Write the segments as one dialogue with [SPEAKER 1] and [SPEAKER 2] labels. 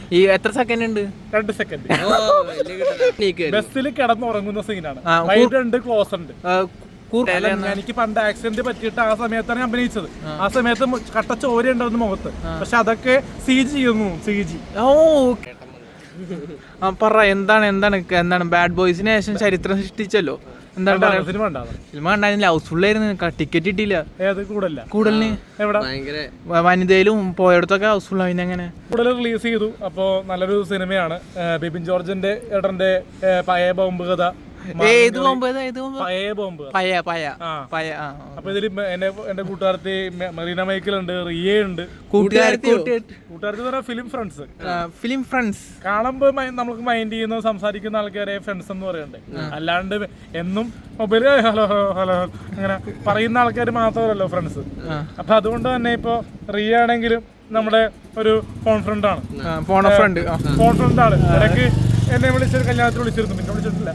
[SPEAKER 1] ഈ എത്ര സെക്കൻഡ് ഉണ്ട്?
[SPEAKER 2] 2 സെക്കൻഡ്. ബസ്സിൽ കിടന്നുറങ്ങുന്ന സീനാണ്. വൈഡ് ഉണ്ട്, ക്ലോസ് ഉണ്ട്. എനിക്ക് പണ്ട് ആക്സിഡന്റ് പറ്റിയിട്ട് ആ സമയത്താണ് ഞാൻ അഭിനയിച്ചത്. ആ സമയത്ത് കട്ട ചോര ഉണ്ടായിരുന്നു മുഖത്ത്. പക്ഷെ അതൊക്കെ CG ചെയ്യുന്നു. CG.
[SPEAKER 1] പറ എന്താണ് ബാഡ് ബോയ്സിന് ശേഷം ചരിത്രം സൃഷ്ടിച്ചല്ലോ. എന്താണ്
[SPEAKER 2] സിനിമ
[SPEAKER 1] കണ്ടായിരുന്നില്ല? ഹൗസ്ഫുൾ ആയിരുന്നു, ടിക്കറ്റ് കിട്ടിയില്ല. കൂടുതലിന് വനിതയിലും പോയടത്തൊക്കെ ഹൗസ്ഫുൾ ആയി. അങ്ങനെ
[SPEAKER 2] കൂടുതൽ റിലീസ് ചെയ്തു. അപ്പോ നല്ലൊരു സിനിമയാണ്. ബിപിൻ ജോർജിന്റെ ഏട്ടന്റെ പഴയ ബോംബ് കഥ. അപ്പൊ ഇതില് എന്റെ കൂട്ടുകാരത്തി മറീന മൈക്കിൾ ഉണ്ട്, റിയ ഉണ്ട്. കൂട്ടുകാരത്തി ഫിലിം ഫ്രണ്ട്സ് കാണുമ്പോ നമുക്ക് മൈൻഡ് ചെയ്യുന്ന സംസാരിക്കുന്ന ആൾക്കാരെ ഫ്രണ്ട്സ് എന്ന് പറയണ്ടേ. അല്ലാണ്ട് എന്നും മൊബൈല് ഹലോ ഹലോ അങ്ങനെ പറയുന്ന ആൾക്കാർ മാത്രമല്ലല്ലോ ഫ്രണ്ട്സ്. അപ്പൊ അതുകൊണ്ട് തന്നെ ഇപ്പൊ റിയ ആണെങ്കിലും നമ്മുടെ ഒരു ഫോൺ ഫ്രണ്ടാണ്. ഇടയ്ക്ക് എന്നെ വിളിച്ചൊരു കല്യാണത്തിൽ വിളിച്ചിരുന്നു, പിന്നെ വിളിച്ചിട്ടില്ല.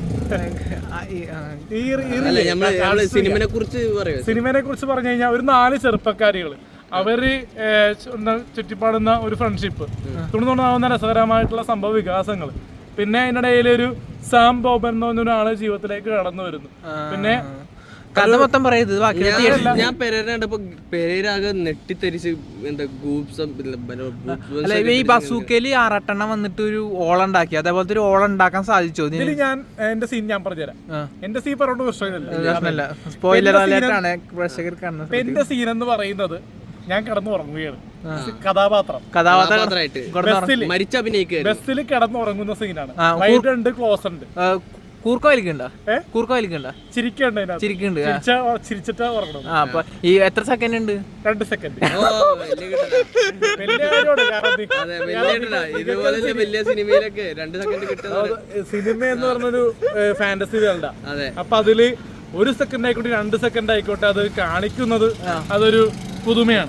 [SPEAKER 2] സിനിമയെ കുറിച്ച് പറഞ്ഞു കഴിഞ്ഞാൽ ഒരു 4 ചെറുപ്പക്കാരികള് അവര് ചുറ്റിപ്പാടുന്ന ഒരു ഫ്രണ്ട്ഷിപ്പ്, തുണതുണാവുന്ന രസകരമായിട്ടുള്ള സംഭവ വികാസങ്ങൾ. പിന്നെ അതിനിടയിൽ ഒരു സാം ബോബൻ എന്ന് പറഞ്ഞ ഒരാള് ജീവിതത്തിലേക്ക് കടന്നു വരുന്നു. പിന്നെ
[SPEAKER 1] കഥ മൊത്തം പറയുന്നത്
[SPEAKER 3] ഞാൻ പെരേരാകെ നെട്ടിത്തെരിച്ച്
[SPEAKER 1] ഈ ബസൂക്കയില് 6 വന്നിട്ട് ഒരു ഓളുണ്ടാക്കി, അതേപോലത്തെ ഒരു ഓളുണ്ടാക്കാൻ സാധിച്ചോ?
[SPEAKER 2] ഞാൻ എന്റെ സീൻ ഞാൻ പറഞ്ഞുതരാം. എന്റെ സീൻ പറഞ്ഞ പ്രശ്നമില്ല,
[SPEAKER 1] സ്പോയിലർ അലേർട്ടാണ് പ്രേക്ഷകർ കാണുന്നത്.
[SPEAKER 2] എന്റെ സീൻ എന്ന് പറയുന്നത് ഞാൻ കിടന്നുറങ്ങുകയാണ്. ബസ്സിൽ കിടന്നുറങ്ങുന്ന സീനാണ്. വൈഡ് ഉണ്ട്, ക്ലോസ് ഉണ്ട്. ചിരിച്ചിട്ട് ഉറങ്ങണം.
[SPEAKER 1] ഈ എത്ര സെക്കൻഡ് ഉണ്ട്?
[SPEAKER 2] 2 സെക്കൻഡ്. സിനിമ എന്ന് പറഞ്ഞൊരു ഫാന്റസി വേൾഡാ. അപ്പൊ അതില് 1 സെക്കൻഡ് ആയിക്കോട്ടെ 2 സെക്കൻഡ് ആയിക്കോട്ടെ അത് കാണിക്കുന്നത് അതൊരു പുതുമയാണ്.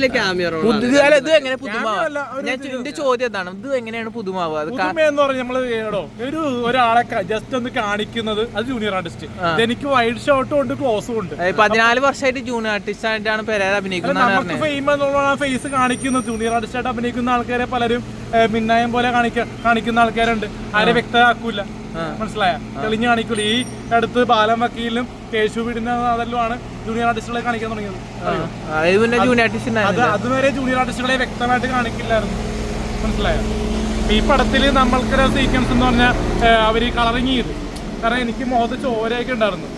[SPEAKER 1] എന്റെ ചോദ്യം എന്താണ്, ഇത് എങ്ങനെയാണ് പുതുമാവുക?
[SPEAKER 2] പുതുമ എന്ന് പറഞ്ഞാൽ നമ്മള് ഒരാളെ ജസ്റ്റ് ഒന്ന് കാണിക്കുന്നത് അത് ജൂനിയർ ആർട്ടിസ്റ്റ്. എനിക്ക് വൈഡ് ഷോട്ടും ഉണ്ട്, ക്ലോസും ഉണ്ട്.
[SPEAKER 1] 14 വർഷമായിട്ട് ജൂനിയർ ആർട്ടിസ്റ്റ് ആയിട്ടാണ് പെരേര അഭിനയിക്കുന്നത്.
[SPEAKER 2] നമുക്ക് ഫെയിം എന്നുള്ള ഫേസ് കാണിക്കുന്നത്. ജൂനിയർ ആർട്ടിസ്റ്റ് ആയിട്ട് അഭിനയിക്കുന്ന ആൾക്കാരെ പലരും മിന്നായം പോലെ കാണിക്കുന്ന ആൾക്കാരുണ്ട്. ആരെ വ്യക്തമാക്കൂല, മനസ്സിലായ തെളിഞ്ഞു കാണിക്കൂല. ഈ അടുത്ത് ബാലം വക്കീലും കേശു വീടിന്റെ അതെല്ലാമാണ് ജൂനിയർ ആർട്ടിസ്റ്റുകളെ കാണിക്കാൻ തുടങ്ങിയത്. അതുവരെ ജൂനിയർ ആർട്ടിസ്റ്റുകളെ വ്യക്തമായിട്ട് കാണിക്കില്ലായിരുന്നു, മനസ്സിലായോ? ഈ പടത്തില് നമ്മൾക്കൊരു സീക്വൻസ് എന്ന് പറഞ്ഞാൽ അവര് കളറിങ് ചെയ്തു. കാരണം എനിക്ക് മുഖത്ത് ചോരയൊക്കെ ഉണ്ടായിരുന്നു.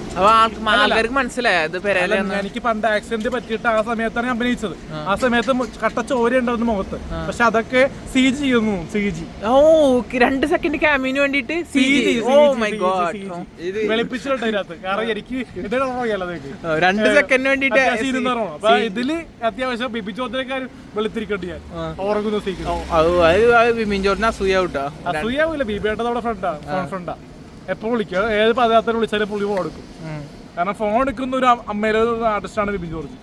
[SPEAKER 2] എനിക്ക് പണ്ട് ആക്സിഡന്റ് പറ്റിയിട്ട് ആ സമയത്താണ് ഞാൻ അഭിനയിച്ചത്. ആ സമയത്ത് കട്ട ചോര ഉണ്ടായിരുന്നു മുഖത്ത്. പക്ഷെ അതൊക്കെ CG ചെയ്യുന്നു.
[SPEAKER 1] 2 സെക്കൻഡ് ക്യാമിന് വേണ്ടിട്ട്
[SPEAKER 2] വെളുപ്പിച്ചിട്ടുണ്ട് ഇതിനകത്ത്. കാരണം എനിക്ക്
[SPEAKER 1] 2 സെക്കൻഡ് വേണ്ടിട്ട്
[SPEAKER 2] അപ്പൊ ഇതില് അത്യാവശ്യം ബിബി ചോദ്യക്കാർ വെളുത്തിരിക്കട്ടെ. ഞാൻ ഉറങ്ങുന്ന
[SPEAKER 1] ബിബിൻ ചോദ്യം
[SPEAKER 2] അസൂയാവൂല. ബിബിയുടെ നമ്മുടെ ഫ്രണ്ടാ. എപ്പോ വിളിക്കുക, ഏത് പദയാത്ര വിളിച്ചാലും പുള്ളി ഫോൺ എടുക്കും. കാരണം ഫോൺ എടുക്കുന്ന ഒരു അമ്മയിലെ ആർട്ടിസ്റ്റാണ് ബിബിൻ ജോർജ്.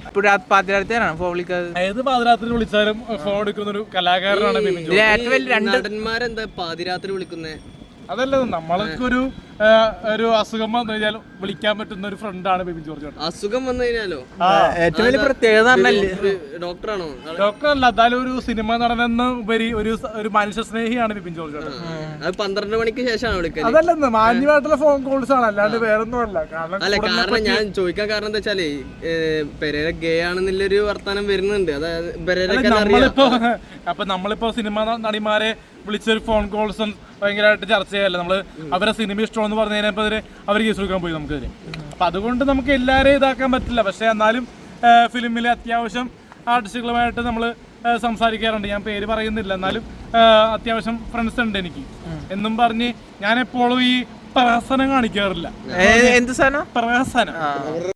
[SPEAKER 2] ഏത് പാതിരാത്രി വിളിച്ചാലും ഫോൺ എടുക്കുന്ന ഒരു കലാകാരനാണ് ബിബിൻ ജോർജ്.
[SPEAKER 3] നടന്മാരെന്താ പാതിരാത്രി വിളിക്കുന്നേ?
[SPEAKER 2] അതല്ല, നമ്മൾക്കൊരു അസുഖം വന്നു കഴിഞ്ഞാൽ വിളിക്കാൻ പറ്റുന്ന ഒരു ഫ്രണ്ടാണ് ബിബിൻ ജോർജ്.
[SPEAKER 3] അസുഖം വന്നു കഴിഞ്ഞാലോ
[SPEAKER 1] ഏറ്റവും വലിയ പ്രത്യേകത
[SPEAKER 3] ഡോക്ടറാണോ?
[SPEAKER 2] ഡോക്ടറല്ല, എന്തായാലും ഒരു സിനിമ നടനെന്ന് ഉപരി ഒരു മനുഷ്യ സ്നേഹിയാണ് ബിബിൻ ജോർജ്.
[SPEAKER 3] അത് 12 മണിക്ക് ശേഷമാണ് വിളിക്കുന്നത്.
[SPEAKER 2] അതല്ലെന്ന് മാന്യമായിട്ടുള്ള ഫോൺ കോൾസ് ആണ്, അല്ലാണ്ട് വേറൊന്നും അല്ല.
[SPEAKER 3] കാരണം ഞാൻ ചോദിക്കാൻ കാരണം എന്താ വെച്ചാല് പെരേര ഗേ ആണെന്നുള്ളൊരു വർത്താനം വരുന്നുണ്ട്.
[SPEAKER 2] നമ്മളിപ്പോ സിനിമ നടിമാരെ വിളിച്ചൊരു ഫോൺ കോൾസും ഭയങ്കരമായിട്ട് ചർച്ച ചെയ്യല്ല. നമ്മള് അവരെ സിനിമ ഇഷ്ടമെന്ന് പറഞ്ഞു കഴിഞ്ഞപ്പോ അവർ കേസ് കൊടുക്കാൻ പോയി നമുക്കെതിരെ. അപ്പൊ അതുകൊണ്ട് നമുക്ക് എല്ലാവരെയും ഇതാക്കാൻ പറ്റില്ല. പക്ഷെ എന്നാലും ഫിലിമിലെ അത്യാവശ്യം ആർട്ടിസ്റ്റുകളുമായിട്ട് നമ്മൾ സംസാരിക്കാറുണ്ട്. ഞാൻ പേര് പറയുന്നില്ല, എന്നാലും അത്യാവശ്യം ഫ്രണ്ട്സ് ഉണ്ട് എനിക്ക് എന്നും പറഞ്ഞ് ഞാൻ എപ്പോഴും ഈ പ്രഹസനം കാണിക്കാറില്ല.
[SPEAKER 1] എന്ത് സാധനം?
[SPEAKER 2] പ്രഹസനം.